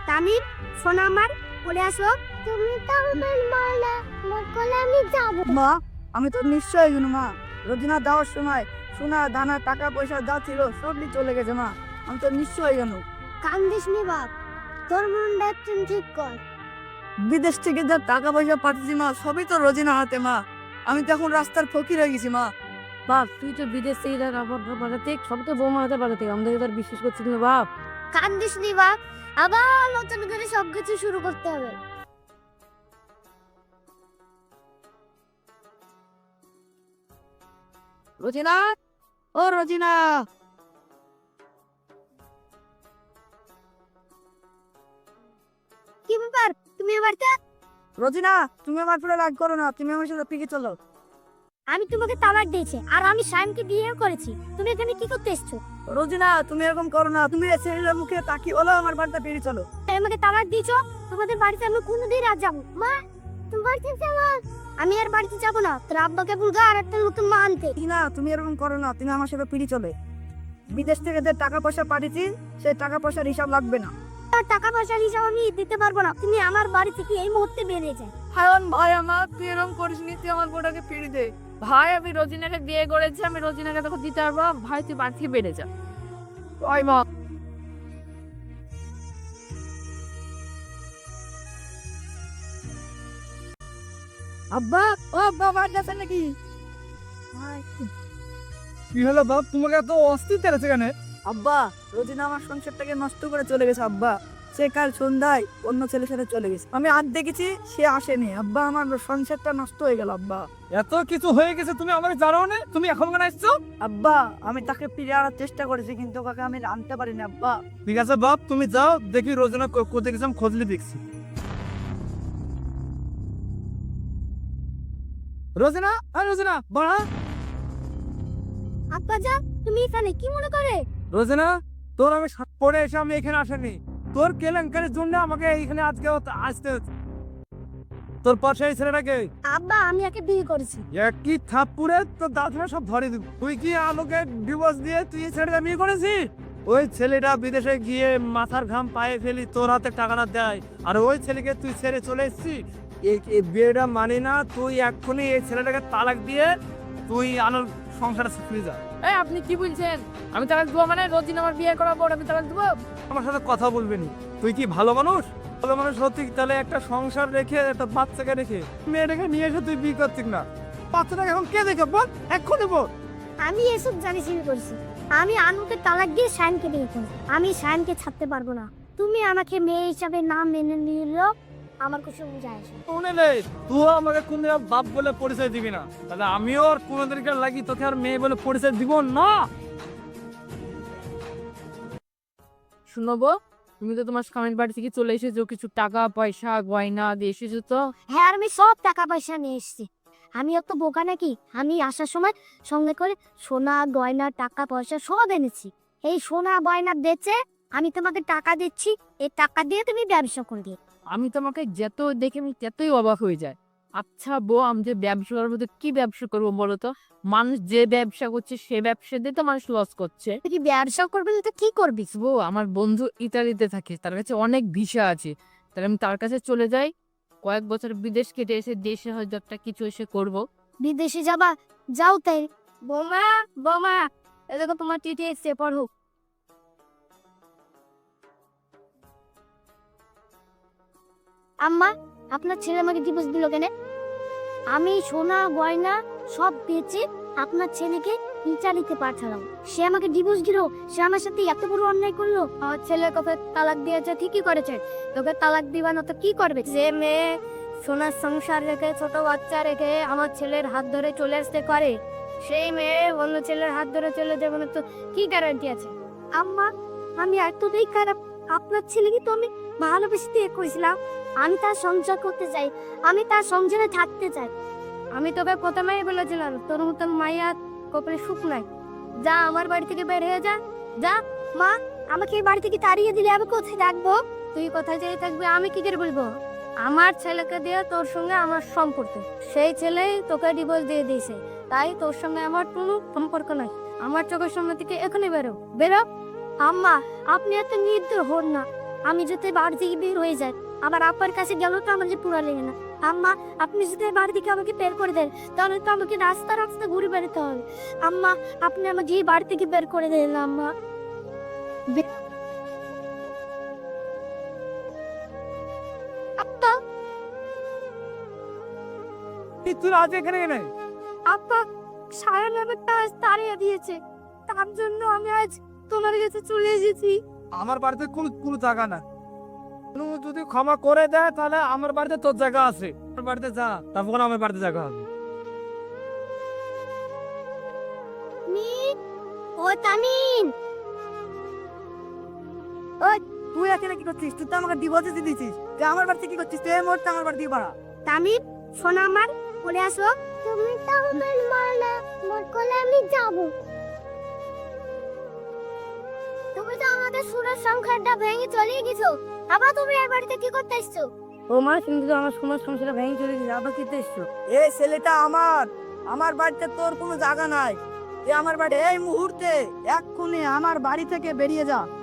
তামিম, সোনা আমার বলে আসো। তুমি তো আমার মা না, বলে আমি যাব। মা, আমি তো নিশ্চয়ই জানি মা। রোজিনা দেওয়ার সময় সোনা দানা টাকা পয়সা যা ছিল সবই চলে গেছে মা। আমি তো নিশ্চয়ই জানো। কান্দিস নি বাপ, তোর মনটা একটু ঠিক কর। বিদেশ থেকে যা টাকা পয়সা পাঠিয়েছি মা, সবই তো রোজিনা হাতে মা। আমি তো এখন রাস্তার ফকির হয়ে গেছি মা। বাপ তুই তো বিদেশ থেকে পাঠাতে সব তো বৌমা হাতে পাঠাতে আমাদের এবার বিশ্বাস করছিস না বাপ। কান্দিস নি বাপ, আবার নতুন করে সবকিছু শুরু করতে হবে। রোজিনা, ও রোজিনা। কি ব্যাপার, তুমি আমার রোজিনা, তুমি আমার পুরো রাগ করো না, তুমি আমার সাথে পিকে চলো। আমি তোমাকে তালাক দিয়েছি আর আমি শাইনকে বিয়ে করেছি, তুমি এখানে কি করতে এসছো? রোজিনা, তুমি এরকম করো না, তুমি এই ছেলের মুখে তাকিয়ে হলো আমার বাড়িতে বেরিয়ে চলো। তাই আমাকে তালাক দিয়েছো, তোমাদের বাড়িতে আমি কোনোদিন আর যাবো মা? তুমি বাড়িতে যাবো? আমি আর বাড়িতে যাবো না, তোর আব্বাকে বলগা আর একটা নতুন মা আনতে। না, তুমি এরকম করো না, তুমি আমার সাথে পিড়ি চলে। বিদেশ থেকে যে টাকা পয়সা পাঠিয়েছি সেই টাকা পয়সার হিসাব লাগবে না। আর টাকা পয়সার হিসাব আমি দিতে পারবো না, তুমি আমার বাড়ি থেকে এই মুহূর্তে বেরিয়ে যাও। হায়ন ভাই আমার, তুই এরকম করিস নি, তুই আমার বোটাকে ফিরে দে। ভাই আমি রোজিনাকে বিয়ে করেছি, আমি রোজিনাকে তোকে দিতে পারবো। ভাই তুই বাড়ি থেকে বেড়ে যা। ওই মা, আব্বা, ও আব্বা বাড়ি আছেন নাকি? কি হলো বাপ, তোমাকে এত অস্থির তেলেছে কেন? আব্বা, রোজিনা আমার সংসারটাকে নষ্ট করে চলে গেছে আব্বা। সে কাল সন্ধ্যায় অন্য ছেলের সাথে চলে গেছে, আমি আর দেখেছি সে আসেনি আব্বা। আমার সংসারটা নষ্ট হয়ে গেল আব্বা। এত কিছু হয়ে গেছে তুমি আমাকে জানো না? তুমি এখন কেন আসছো? আব্বা, আমি তাকে ফিরে আনার চেষ্টা করেছি কিন্তু ওকে আমি আনতে পারিনি আব্বা। ঠিক আছে বাপ, তুমি যাও, দেখি রোজনা কোথায় গেছে, আমি খোঁজলে দেখছি। রোজনা, আর রোজনা বাড়া। আব্বা যা, তুমি এখানে কি মনে করে? রোজনা, তোর আমি পরে এসে আমি এখানে আসেনি, তোর কেলেঙ্কারির জন্য আমাকে এইখানে আজকে আসতে হচ্ছে। তোর পাশে এই ছেলেটাকে আব্বা আমি একে বিয়ে করেছি। একই থাপ্পুরে তোর দাদা সব ধরে দিব। তুই কি আমাকে ডিভোর্স দিয়ে তুই এই ছেলেটা বিয়ে করেছিস? ওই ছেলেটা বিদেশে গিয়ে মাথার ঘাম পায়ে ফেলি তোর হাতে টাকা না দেয়, আর ওই ছেলেকে তুই ছেড়ে চলে এসেছিস। এই বিয়েটা মানি না, তুই এক্ষুনি এই ছেলেটাকে তালাক দিয়ে তুই আলোর সংসারে ফিরে যা। এই আপনি কি বলছেন? আমি তালাক দেবো মানে? রোজিনা আমার বিয়ে করার পর আমি তালাক দেবো? আমার সাথে কথা বলবি নি। তুই কি ভালো মানুষ? ভালো মানুষ হতি তাহলে একটা সংসার রেখে একটা বাচ্চাকে রেখে মেয়েটাকে নিয়ে এসে তুই বিয়ে করতিস না। বাচ্চাটাকে এখন কে দেখে বল, এক্ষুনি বল। আমি এসব জানি শুরু করছি, আমি আনুকে তালাক দিয়ে শাইনকে বিয়ে করেছি, আমি শাইনকে ছাড়তে পারবো না। তুমি আমাকে মেয়ে হিসাবে না মেনে নিলেও আমার কিছু যায় আসে না। শুনে নে, তুই আমাকে কোনদিন বাপ বলে পরিচয় দিবি না, তাহলে আমিও আর কোনোদিনকে লাগি তোকে আর মেয়ে বলে পরিচয় দিব না। শুনবো, তুমি তো তোমার স্বামীর বাড়ি থেকে চলে এসেছো, কিছু টাকা পয়সা গয়না দিয়ে এসেছো তো। হ্যাঁ আমি সব টাকা পয়সা নিয়ে এসেছি। আমি অত বোকা নাকি? আমি আসার সময় সঙ্গে করে সোনা গয়না টাকা পয়সা সব এনেছি। এই সোনা গয়না বেচে আমি তোমাকে টাকা দিচ্ছি, এই টাকা দিয়ে তুমি ব্যবসা করবে। আমি তোমাকে যত দেখে আমি ততই অবাক হয়ে যায়। আচ্ছা বউ, আমি যে ব্যবসা করবো তো কি ব্যবসা করবো বলো তো? মানুষ যে ব্যবসা করছে সে ব্যবসা দিয়ে তো মানুষ লস করছে। তুই কি ব্যবসা করবে না তো কি করবি? বউ, আমার বন্ধু ইতালিতে থাকে, তার কাছে অনেক ভিসা আছে, তাহলে আমি তার কাছে চলে যাই, কয়েক বছর বিদেশ কেটে এসে দেশে হয়তো একটা কিছু এসে করবো। বিদেশে যাবা? যাও তাই। বোমা বোমা, এ দেখো তোমার টিটি এসছে, পড়ো। আম্মা, আপনার ছেলে আমাকে ডিভোর্স দিল কেন? আমি সোনা গয়না সব বেচে আপনার ছেলেকে ইটালিতে পাঠালাম, সে আমাকে ডিভোর্স দিল। সে আমার সাথে এত বড় অন্যায় করলো। আমার ছেলের কথা তালাক দিয়েছে, ঠিকই করেছে। তোকে তালাক দিবা না তো কি করবে? যে মেয়ে সোনার সংসার রেখে ছোট বাচ্চা রেখে আমার ছেলের হাত ধরে চলে আসতে করে, সেই মেয়ে অন্য ছেলের হাত ধরে চলে যাবে না তো কি গ্যারান্টি আছে? আম্মা, আমি এতটাই খারাপ? আপনার ছেলেকে তো আমি ভালোবেসে দিয়ে করেছিলাম, আমি তার সংসার করতে চাই, আমি তার সংসারে থাকতে চাই। আমি তোকে প্রথমেই বলেছিলাম তোর মতন মাইয়া কপালে সুখ নাই। যা আমার বাড়ি থেকে বের হয়ে যা, যা। মা, আমাকে এই বাড়ি থেকে তাড়িয়ে দিলে আমি কোথায় থাকবো? তুই কোথায় যেয়ে থাকবি আমি কি করে বলবো? আমার ছেলেকে দিয়ে তোর সঙ্গে আমার সম্পর্ক, সেই ছেলেই তোকে ডিভোর্স দিয়ে দিয়েছে, তাই তোর সঙ্গে আমার কোনো সম্পর্ক নাই। আমার চোখের সামনে থেকে এখনই বেরো, বেরো। আম্মা, আপনি এত নির্দয় হন না, আমি যদি বাড়ি থেকে বের হয়ে যাই, আবার আব্বার কাছে গেলেও তো আমার যে পুরা লেগে না। আম্মা, আপনি যদি বাড়ি থেকে আমাকে বের করে দেন, তাহলে তো আমাকে রাস্তা রাস্তা ঘুরে বেড়াতে হবে। আম্মা, আপনি আমাকে এই বাড়ি থেকে বের করে দেন আম্মা। আব্বা, তুই আজ এখানে কেন? আব্বা সায়ন আমাকে আজ তাড়িয়ে দিয়েছে, তার জন্য আমি আজ তোমার কাছে চলে এসেছি। আমার বাড়িতে কোনো জায়গা না। তুমি যদি ক্ষমা করে দেয় তাহলে আমার বাড়িতে তোর জায়গা আছে। আমার বাড়িতে যা, তারপর আমার বাড়িতে জায়গা হবে। ও তামিন, তুই এখানে কি করছিস? তুই তো আমাকে ডিভোর্স দিয়ে দিয়েছিস। তুই আমার বাড়িতে কি করছিস? তুই এই মুহূর্তে আমার বাড়ি দিয়ে বাড়া। তামিন শোনো আমার, বলে আসো। তুমি তো আমার মা না, মোর কোলে আমি যাব। তুমি তো আমাদের সুরের সংখ্যাটা ভেঙে চলে গেছো, আবার তুমি এই বাড়িতে কি করতে এসছো? ও মা, কিন্তু আমার সময় সংসারটা ভেঙে চলে গেছে, আবার কি এসছো? এই ছেলেটা আমার বাড়িতে তোর কোনো জায়গা নাই। তুই আমার বাড়ি এই মুহূর্তে এক্ষুনি আমার বাড়ি থেকে বেরিয়ে যা।